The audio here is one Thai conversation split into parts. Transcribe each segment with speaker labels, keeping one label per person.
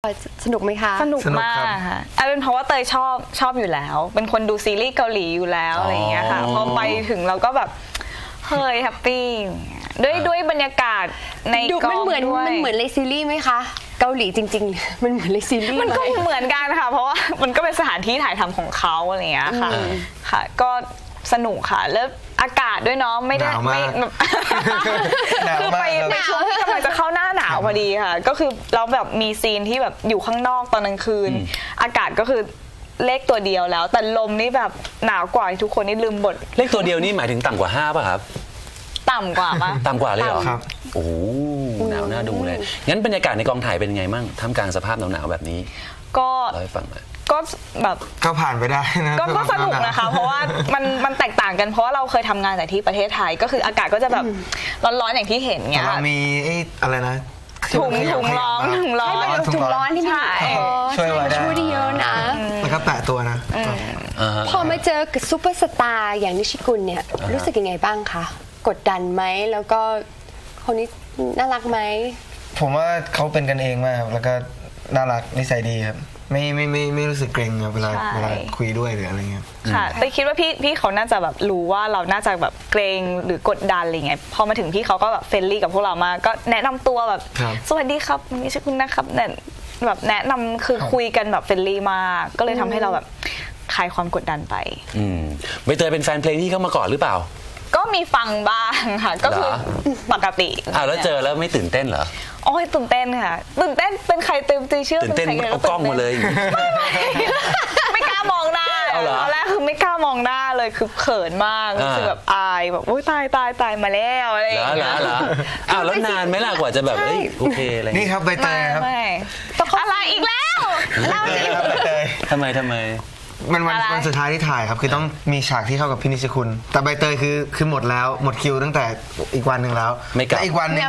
Speaker 1: สนุกไหมคะ
Speaker 2: สนุกมากค่ะเป็นเพราะว่าเตยชอบอยู่แล้ว เป็นคนดูซีรีส์เกาหลีอยู่แล้วอะไรอย่างเงี้ยค่ะพอไปถึงเราก็แบบเฮ้ยแฮปปี้ด้วยบรรยากาศในกองด้วย
Speaker 1: มันเหมือนในซีรีส์ไหมคะเกาหลีจริงๆมันเหมือนในซีรีส์
Speaker 2: มันก็เหมือนกันค่ะเพราะว่ามันก็เป็นสถานที่ถ่ายทำของเขาอะไรอย่างเงี้ยค่ะค่ะก็สนุกค่ะแล้วอากาศด้วยเนาะไม่ได้ไม่คือไปช่วงที่กำลังจะเข้าหน้าหนาวพอดีค่ะก็คือเราแบบมีซีนที่แบบอยู่ข้างนอกตอนกลางคืนอากาศก็คือเลขตัวเดียวแล้วแต่ลมนี่แบบหนาวกว่าทุกคนนี่ลืมบท
Speaker 3: เลขตัวเดียวนี่หมายถึงต่ำกว่า5ป่ะครับ
Speaker 2: ต่ำกว่าปะ
Speaker 3: ต่ำกว่าเลยเหรอครับโอ้โหหนาวน่าดูเลยงั้นบรรยากาศในกองถ่ายเป็นไงมั่งท่ามกลางสภาพหนาวๆแบบนี้
Speaker 2: ก็
Speaker 3: เล่าให้ฟังหน่อย
Speaker 2: ก็แบบ
Speaker 4: ก็ผ่านไปได้นะ
Speaker 2: ก็สนุกนะคะเพราะว่ามันแตกต่างกันเพราะว่าเราเคยทำงานแต่ที่ประเทศไทยก็คืออากาศก็จะแบบร้อนๆอย่างที่เห็นเงี้ย
Speaker 4: เรามีอะไรนะ
Speaker 2: ถุงร้อน
Speaker 1: ถุงร้อนที่มี
Speaker 4: ช่วยไว้ได้
Speaker 1: ช่วยได้เยอะนะ
Speaker 4: แล้วก็แปะตัวนะ
Speaker 1: พอมาเจอกับซูเปอร์สตาร์อย่างนิชิกุลเนี่ยรู้สึกยังไงบ้างคะกดดันไหมแล้วก็คนนี้น่ารักไหม
Speaker 4: ผมว่าเขาเป็นกันเองมากแล้วก็น่ารักนิสัยดีครับไม่รู้สึกเกรงเวลาคุยด้วยหรืออะไรเงี้ย
Speaker 2: ค่ะแต่คิดว่าพี่เขาน่าจะแบบรู้ว่าเราน่าจะแบบเกรงหรือกดดันอะไรเงี้ยพอมาถึงพี่เขาก็แบบเฟรนลี่กับพวกเรามากก็แนะนำตัวแบบสวัสดีครับนี่ชื่อคุณนะครับเนี่ยแบบแนะนำคือคุยกันแบบเฟรนลี่มากก็เลยทำให้เราแบบคลายความกดดันไป
Speaker 3: ใบเตยเป็นแฟนเพลงที่เข้ามาก่อนหรือเปล่า
Speaker 2: ก็มีฟังบ้างค่ะก็คือปกติ
Speaker 3: แล้วเจอแล้วไม่ตื่นเต้นเหรอ
Speaker 2: โอ้ยตื่นเต้นค่ะตื่นเต้นเป็นใครตื่นเชื่อ
Speaker 3: ตื่นเต้นเอากล้องมาเลย
Speaker 2: ไม่กล้ามองหน้าตอนแรกคือไม่กล้ามองหน้าเลยคือเขินมากรู้สึกแบบอายแบบโอ้ยตายมาแล้วอะไรอย่างเงี้ย
Speaker 3: เหรอแล้วนานไหมล่ะกว่าจะแบบโอเคอะไร
Speaker 4: นี่ครับใบเตยครับ
Speaker 2: อะไรอีกแล้ว
Speaker 3: ทำไม
Speaker 4: มันวันสุดท้ายที่ถ่ายครับคือต้องมีฉากที่เข้ากับพี่นิชคุณแต่ใบเตยคือหมดแล้วหมดคิวตั้งแต่อีกวันหนึ่งแล้วและอีกวันหนึ่ง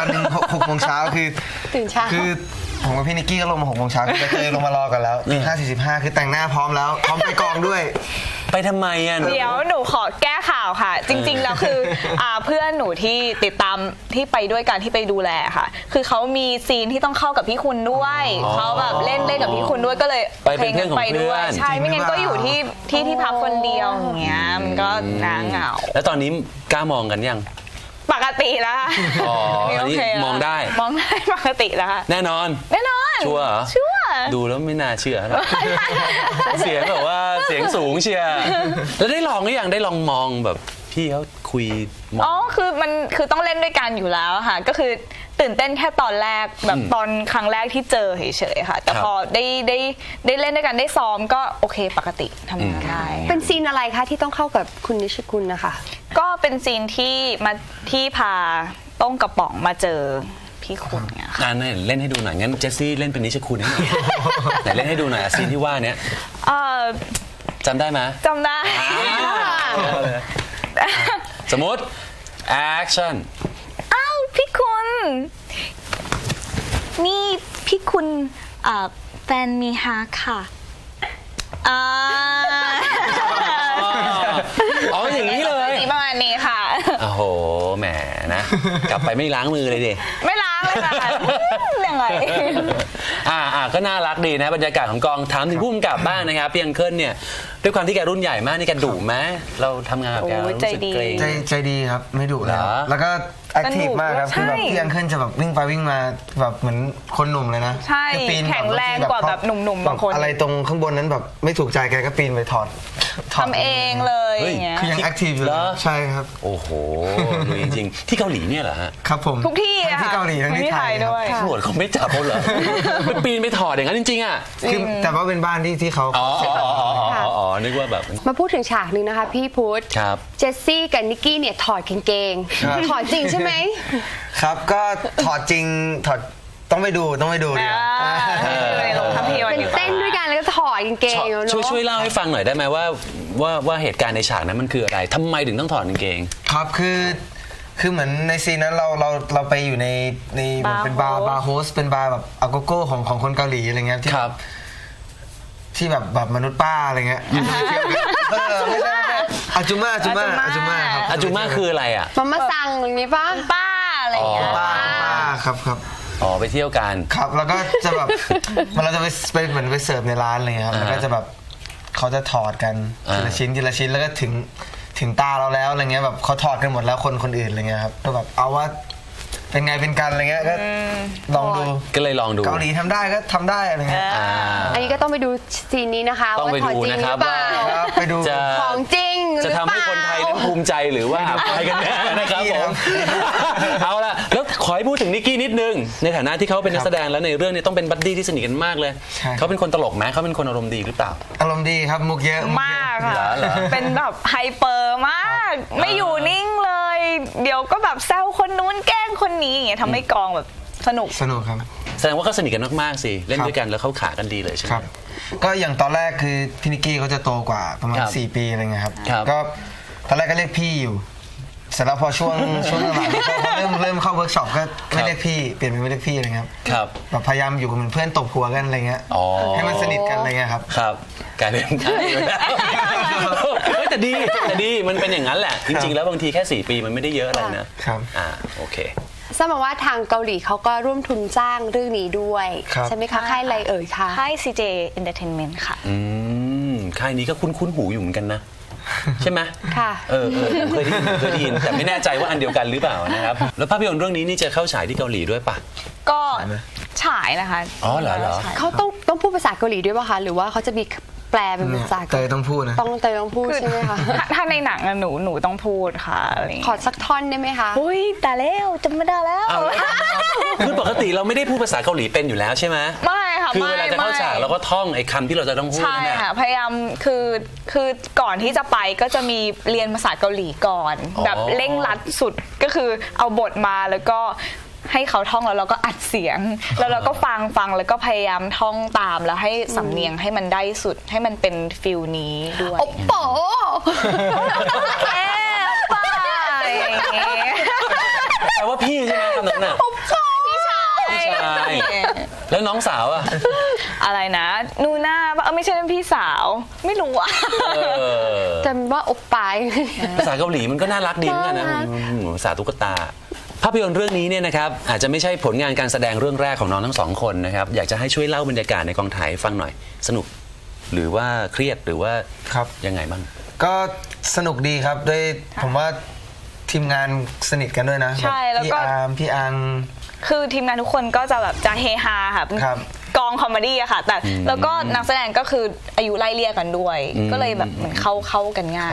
Speaker 4: 6 โมงเช้าคือ
Speaker 1: ตื่นเช้า
Speaker 4: คือผมกับพี่นิกกี้ก็ลงมา6 โมงเช้าใบเตยลงมารอกันแล้ว5:45คือแต่งหน้าพร้อมแล้วพร้อมไปกองด้วย
Speaker 3: ไปทำไมอ่ะ
Speaker 2: เดี๋ยวหนูขอแก้ข่าวค่ะจริงๆแล้วคือเพื่อนหนูที่ติดตามที่ไปด้วยกันที่ไปดูแลค่ะคือเขามีซีนที่ต้องเข้ากับพี่คุณด้วยเขาแบบเล่นกับพี่คุณด้วยก็เลย
Speaker 3: ไปเป็นเพื่อนของเพื่อน
Speaker 2: ใช่ไม่งั้นก็อยู่ที่พักคนเดียวอย่างเงี้ยมันก็น่าเหงา
Speaker 3: แล้วตอนนี้กล้ามองกันยัง
Speaker 2: ปกติแล้ว
Speaker 3: อ๋ออันนี้มองได้
Speaker 2: ปกติแล้วค่ะ
Speaker 3: แน่นอนชัวร์ดูแล้วไม่น่าเชื่อนะเสียงแบบว่าเสียงสูงเชียร์แล้วได้ลองหรือยังได้ลองมองแบบพี่เขาคุย
Speaker 2: คือต้องเล่นด้วยกันอยู่แล้วค่ะก็คือตื่นเต้นแค่ตอนแรกแบบตอนครั้งแรกที่เจอเฉยๆค่ะแต่พอได้เล่นด้วยกันได้ซ้อมก็โอเคปกติทำงานได้
Speaker 1: เป็นซีนอะไรคะที่ต้องเข้ากับคุณนิชคุณนะคะ
Speaker 2: ก็เป็นซีนที่พาต้องกระป๋องมาเจอพี่คุณเนี่ยค่ะ
Speaker 3: เล่นให้ดูหน่อยงั้นเจสซี่เล่นเป็นนิชคุณให้หน่อยไหนเล่นให้ดูหน่อยซีนที่ว่าเนี้ยจำได้ไหม
Speaker 2: จำได้
Speaker 3: สมมติแอคชั่น
Speaker 2: อ้าวพี่คุณนี่พี่คุณแฟนมีฮาค่ะ
Speaker 3: อย่างนี้เลย
Speaker 2: ประมาณนี้ค่ะ
Speaker 3: โอ้โหแหมนะกลับไปไม่ล้างมือเลยดิ
Speaker 2: ไม่ล้างเลยค่ะยังไง
Speaker 3: ก็น่ารักดีนะบรรยากาศของกองถามถึงผู้กำกับบ้างนะครับพี่อังเคิลเนี่ยด้วยความที่แกรุ่นใหญ่มากนี่แกดุไหมเราทำงานกับแกรู้สึกเกรง
Speaker 4: ใจดีครับไม่ดุแล้วก็แอคทีฟมากครับคือแบบพี่อังเคิลจะแบบวิ่งไปวิ่งมาแบบเหมือนคนหนุ่มเลยนะ
Speaker 2: ใช่แข็งแรงกว่าแบบหนุ่มๆบางคน
Speaker 4: อะไรตรงข้างบนนั้นแบบไม่ถูกใจแกก็ปีนไปถอด
Speaker 2: ทำเองเลยอย่างเงี้ย
Speaker 4: คือยังแอคทีฟอยู่ใช่ครับ
Speaker 3: โอ้โหดูจริงๆที่เกาหลีเนี่ยเหรอฮะ
Speaker 4: ครับผม
Speaker 2: ทุกที่
Speaker 4: ที่เกาหลีทั้งที่ไทย
Speaker 2: ด้วย
Speaker 3: ตำรวจเขาไม่จับเขาเหรอไปปีนไปถอดอย่างนั้นจริงๆอ่ะ
Speaker 4: คือแต่ว่าเป็นบ้านที่เขา
Speaker 3: นึกว่าแบบ
Speaker 1: มาพูดถึงฉากนึงนะคะพี่พุทธเจสซี่กับนิกกี้เนี่ยถอดกางเกงถอดจริงใช่ไหม
Speaker 4: ครับก็ถอดจริงถอดต้องไปดูเนี่ย
Speaker 1: เป็นเต้นด้วยกันแล้วก็ถอดกางเกง
Speaker 3: ช่วยเล่าให้ฟังหน่อยได้ไหมว่าเหตุการณ์ในฉากนั้นมันคืออะไรทำไมถึงต้องถอดกางเกง
Speaker 4: ครับคือเหมือนในซีนนั้นเราไปอยู่ในเป็นบาร์โฮสเป็นบาร์แบบอาโกโก้ของคนเกาหลีอะไรเงี้ยที่แบบมนุษย์ป้าอะไรเงี้ยไม่ใช่อาจูมาครับ
Speaker 3: อาจูมาคืออะไรอ่ะ
Speaker 1: มาสั่งอย่างนี้ป้าอะไรอย่างเงี้ย
Speaker 4: ป้าครับ
Speaker 3: อ๋อไปเที่ยวกัน
Speaker 4: ครับแล้วก็จะแบบ เราจะไปเหมือนไปเสิร์ฟในร้านอะไรเงี้ยครับแล้วก็จะแบบเขาจะถอดกันทีละชิ้นทีละชิ้นแล้วก็ถึงตาเราแล้วอะไรเงี้ยแบบเขาถอดกันหมดแล้วคนอื่นอะไรเงี้ยครับก็แบบเอาว่าเป็นไงเป็นกันอะไรเงี้ยก็ลองดู
Speaker 3: ก็เลยลองดู
Speaker 4: เกาหลีทำได้ก็ทำได้อะไรเงี้ย
Speaker 1: อันนี้ก็ต้องไปดูซีนนี้นะคะ
Speaker 3: ต้องไป
Speaker 1: ว่าถอด
Speaker 3: ดู
Speaker 1: จริง
Speaker 3: นะ
Speaker 1: ห
Speaker 3: ค
Speaker 1: รื
Speaker 3: รับ
Speaker 1: อเปล่า
Speaker 4: ครับไปดู
Speaker 3: จะ
Speaker 1: ของจริงหรือ
Speaker 3: จะ
Speaker 1: เปล่า
Speaker 3: ทำให้คนไทยนั้นภูมิใจหรือว่าอับอายกันแน่นะครับผม เอาละแล้วขอให้พูดถึงนิกกี้นิดนึง ในฐานะที่เขาเป็นนักแสดงแล้วในเรื่องนี้ต้องเป็นบัดดี้ที่สนิทกันมากเลย
Speaker 4: ใช่
Speaker 3: เขาเป็นคนตลกไหมเขาเป็นคนอารมณ์ดีหรือเปล่า
Speaker 4: อารมณ์ดีครับมุกเยอะ
Speaker 2: มากค่ะ
Speaker 3: เหรอ
Speaker 2: เป็นแบบไฮเปอร์มาก ไม่อยู่นิ่งเลย เดี๋ยวก็แบบแซวคนนู้นแกล้งคนนี้อย่างเงี้ยทำให้กองแบบสนุก
Speaker 4: สนุกครับ
Speaker 3: แสดงว่าเขาสนิทกันมากๆสิเล่นด้วยกันแล้วเข้าขากันดีเลยใช่ไหม
Speaker 4: ครับก็อย่างตอนแรกคือพี่นิกกี้เขาจะโตกว่าประมาณ
Speaker 3: ครับ
Speaker 4: 4 ปีอะไรเงี้ยครับ
Speaker 3: ครับ
Speaker 4: ก็ตอนแรกก็เรียกพี่อยู่ เสร็จแล้วพอช่วงหลังๆพอเริ่มเข้าเวิร์กช็อปก็ไม่เรียกพี่เปลี่ยนเป็นไม่เรียกพี่อะไรเงี้ยครับ
Speaker 3: ครับ
Speaker 4: แบบพยายามอยู่กับเหมือนเพื่อนตบหัวกันอะไรเงี้ย
Speaker 3: อ๋อ
Speaker 4: ให้มันสนิทกันอะไรเงี้ยครับ
Speaker 3: ครับกลายเป็นใช่ไปแล้วเฮ้ยแต่ดีมันเป็นอย่างนั้นแหละ จริงๆแล้วบางทีแค่4 ปีมันไม่ได้เยอะอะไรนะครับ โอเค
Speaker 1: ทราบมาว่าทางเกาหลีเขาก็ร่วมทุนจ้างเรื่องนี้ด้วย
Speaker 4: ครับ
Speaker 1: ใช่ไหมคะค่ายอะไรเอ่ยคะ
Speaker 2: ค่าย CJ Entertainment ค่ะ
Speaker 3: ค่ายนี้ก็คุ้นหูอยู่เหมือนกันนะ ใช่ไหม
Speaker 1: ค่ะ
Speaker 3: ผมเคยได้ยินแต่ไม่แน่ใจว่าอันเดียวกันหรือเปล่านะครับ แล้วภาพยนตร์เรื่องนี้นี่จะเข้าฉายที่เกาหลีด้วยปะ
Speaker 2: ก็ฉายนะคะ
Speaker 3: อ๋อเหรอ
Speaker 2: ฉาย
Speaker 1: เขาต้องพูดภาษาเกาหลีด้วยป่ะคะหรือว่าเขาจะมีแปลเป็น
Speaker 4: เนี่ย
Speaker 1: ภาษา
Speaker 4: เตยต้องพูดนะ
Speaker 1: ต้องพูดใช่ไหมคะ
Speaker 2: ถ้าในหนังอะหนูต้องพูดค่ะอะไรอย่าง
Speaker 1: ขอ
Speaker 2: เงี้ย
Speaker 1: สักท่อนได้ไหมคะ
Speaker 2: อุ้ยแต่แล้วจำไม่ได้แล้ว
Speaker 3: อ้าวคือปกติเราไม่ได้พูดภาษาเกาหลีเป็นอยู่แล้วใช่ไหม
Speaker 2: ไม่ค่ะ
Speaker 3: คือ
Speaker 2: ไม่
Speaker 3: เวลาจะเข้าฉากเราก็ท่องไอ้คำที่เราจะต้องพูด
Speaker 2: ใช่
Speaker 3: เนี่ย
Speaker 2: ค่ะพยายามคือก่อนที่จะไปก็จะมีเรียนภาษาเกาหลีก่อน
Speaker 3: อ๋อ
Speaker 2: แบบเร่งรัดสุดก็คือเอาบทมาแล้วก็ให้เขาท่องแล้วเราก็อัดเสียง แล้วเราก็ฟังแล้วก็พยายามท่องตามแล้วให้สำเนียงให้มันได้สุดให้มันเป็นฟิลนี้ด้วย
Speaker 1: โอ้โห
Speaker 2: แค่ไปอย่างเงี้ย
Speaker 3: แปลว่าพี่ใช่ไหมคำนั้นน่ะ
Speaker 2: พี่ชาย
Speaker 3: พี่ชายแล้วน้องสาวอ่ะ
Speaker 2: อะไรนะนูน่าปะไม่ใช่เป็นพี่สาวไม่รู้อะ
Speaker 1: จำว่าอบปาย
Speaker 3: ภาษาเกาหลีมันก็น่ารักดีเหมือนกันนะ
Speaker 1: น่ารัก
Speaker 3: ภาษาตุ๊กตา ภาพยนตร์เรื่องนี้เนี่ยนะครับอาจจะไม่ใช่ผลงานการแสดงเรื่องแรกของน้องทั้งสองคนนะครับอยากจะให้ช่วยเล่าบรรยากาศในกองถ่ายให้ฟังหน่อยสนุก หรือว่าเครียดหรือว่า
Speaker 4: ครับ
Speaker 3: ยังไงบ้าง
Speaker 4: ก็สนุกดีครับด้วยผมว่าทีมงานสนิทกันด้วยนะ
Speaker 2: ใช่แล้ว
Speaker 4: พี่
Speaker 2: ก็
Speaker 4: อาร์มพี่อัง
Speaker 2: คือทีมงานทุกคนก็จะแบบจะเฮฮาค่ะ
Speaker 4: ครับ
Speaker 2: กองคอมเมดี้อะค่ะ แต่แล้วก็นักแสดงก็คืออายุไล่เลี่ยกันด้วย ก็เลยแบบเหมือนเข้ากันง่าย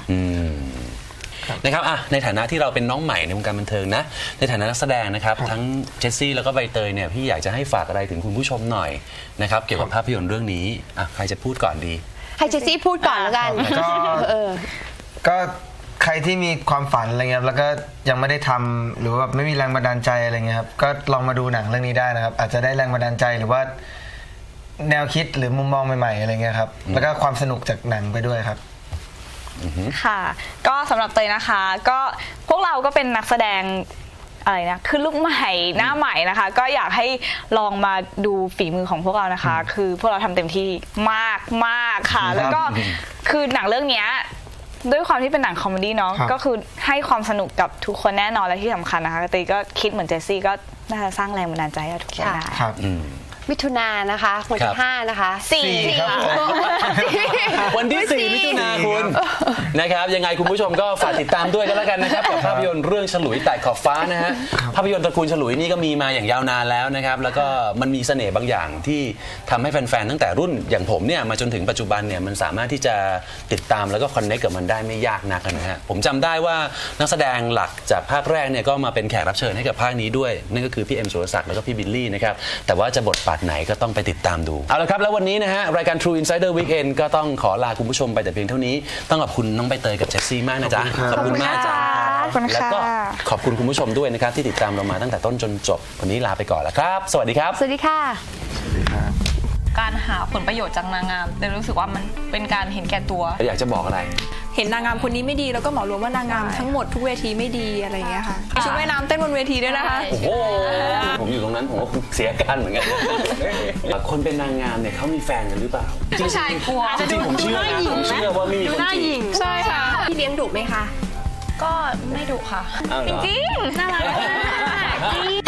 Speaker 3: นะครับในฐานะที่เราเป็นน้องใหม่ในวงการบันเทิงนะในฐานะนักแสดงนะครับทั้งเจสซี่แล้วก็ใบเตยเนี่ยพี่อยากจะให้ฝากอะไรถึงคุณผู้ชมหน่อยนะครับเกี่ยวกับภาพยนตร์เรื่องนี้ใครจะพูดก่อนดี
Speaker 1: ให้เจสซี่พูดก่อนแล้วกัน
Speaker 4: ก็ ก็ใครที่มีความฝันอะไรเงี้ยแล้วก็ยังไม่ได้ทำหรือว่าแบบไม่มีแรงบันดาลใจอะไรเงี้ยครับก็ลองมาดูหนังเรื่องนี้ได้นะครับอาจจะได้แรงบันดาลใจหรือว่าแนวคิดหรือมุมมองใหม่ๆอะไรเงี้ยครับแล้วก็ความสนุกจากหนังไปด้วยครับ
Speaker 2: ค่ะ ก็สำหรับเตยนะคะ ก็พวกเราก็เป็นนักแสดงอะไรนะคือลูกใหม่หน้าใหม่นะคะ ก็อยากให้ลองมาดูฝีมือของพวกเรานะคะ คือพวกเราทำเต็มที่มากค่ะ แล้วก็คือหนังเรื่องเนี้ยด้วยความที่เป็นหนังคอมเมดี้เนาะ
Speaker 4: ครับ
Speaker 2: ก็คือให้ความสนุกกับทุกคนแน่นอนและที่สำคัญนะคะเตยก็คิดเหมือนเจสซี่ก็น่าจะสร้างแรงบันดาลใจให้ทุกคนได้
Speaker 4: ครับ
Speaker 1: มิถุนายนนะคะวัน
Speaker 3: ครั
Speaker 1: ที่
Speaker 3: บ
Speaker 1: 5นะคะ
Speaker 2: สี่
Speaker 4: ครับผม
Speaker 3: วันที่ 4 มิถุนายนคุณนะครับยังไงคุณผู้ชมก็ฝากติดตามด้วยกันแล้วกันนะครับกับภาพยนตร์เรื่องฉลุยไต่ขอบฟ้านะฮะภาพยนตร์ตระกูลฉลุยนี่ก็มีมาอย่างยาวนานแล้วนะครับแล้วก็มันมีเสน่ห์บางอย่างที่ทำให้แฟนๆตั้งแต่รุ่นอย่างผมเนี่ยมาจนถึงปัจจุบันเนี่ยมันสามารถที่จะติดตามแล้วก็คอนเนคกับมันได้ไม่ยากนักนะฮะผมจำได้ว่านักแสดงหลักจากภาคแรกเนี่ยก็มาเป็นแขกรับเชิญให้กับภาคนี้ด้วยนั่นก็คือพี่เอ็มสุรศักดิ์แล้วก็พี่บิลลี่นะครับแต่ว่าจะบทบาทไหนก็ต้องไปติดตามดูเอาละครับแล้ววันนี้นะฮะรายการ True Insider Weekend ก็ต้องขอลาคุณผู้ชมไปแต่เพียงเท่านี้ต้องขอบคุณน้องใบเตยกับเจสซี่มากนะจ๊ะขอบคุณมากจ้ะ
Speaker 2: ขอบคุณค่ะ
Speaker 3: แล้วก็ขอบคุณคุณผู้ชมด้วยนะครับที่ติดตามเรามาตั้งแต่ต้นจนจบวันนี้ลาไปก่อนแล้วครับ สวัสดีครับ
Speaker 1: สวัสดีค่ะ
Speaker 5: การหาผลประโยชน์จากนางงามแต่รู้สึกว่ามันเป็นการเห็นแก่ตัว
Speaker 3: อยากจะบอกอะไร
Speaker 6: เห็นนางงามคนนี้ไม่ดีแล้วก็เหมารวมว่านางงามทั้งหมดทุกเวทีไม่ดีอะไรอย่างเงี้ยค่ะมีชุดว่ายน้ำเต้นบนเวทีด้วยนะคะ
Speaker 3: โอ้โหผมอยู่ตรงนั้นผมก็เสียการเหมือนกันคนเป็นนางงามเนี่ยเขามีแฟนกันหรือเปล่า
Speaker 5: ผู้ชายกลัว
Speaker 3: จริงๆผมเชื่อนะผมเชื่อว่าไม่มีคนจีบ
Speaker 6: ใช่ค่ะ
Speaker 1: พี่เลี้ยงดุไหมคะ
Speaker 5: ก็ไม่ดุค่ะ
Speaker 3: อ้าวเหรอ
Speaker 2: จริงน่ารักมาก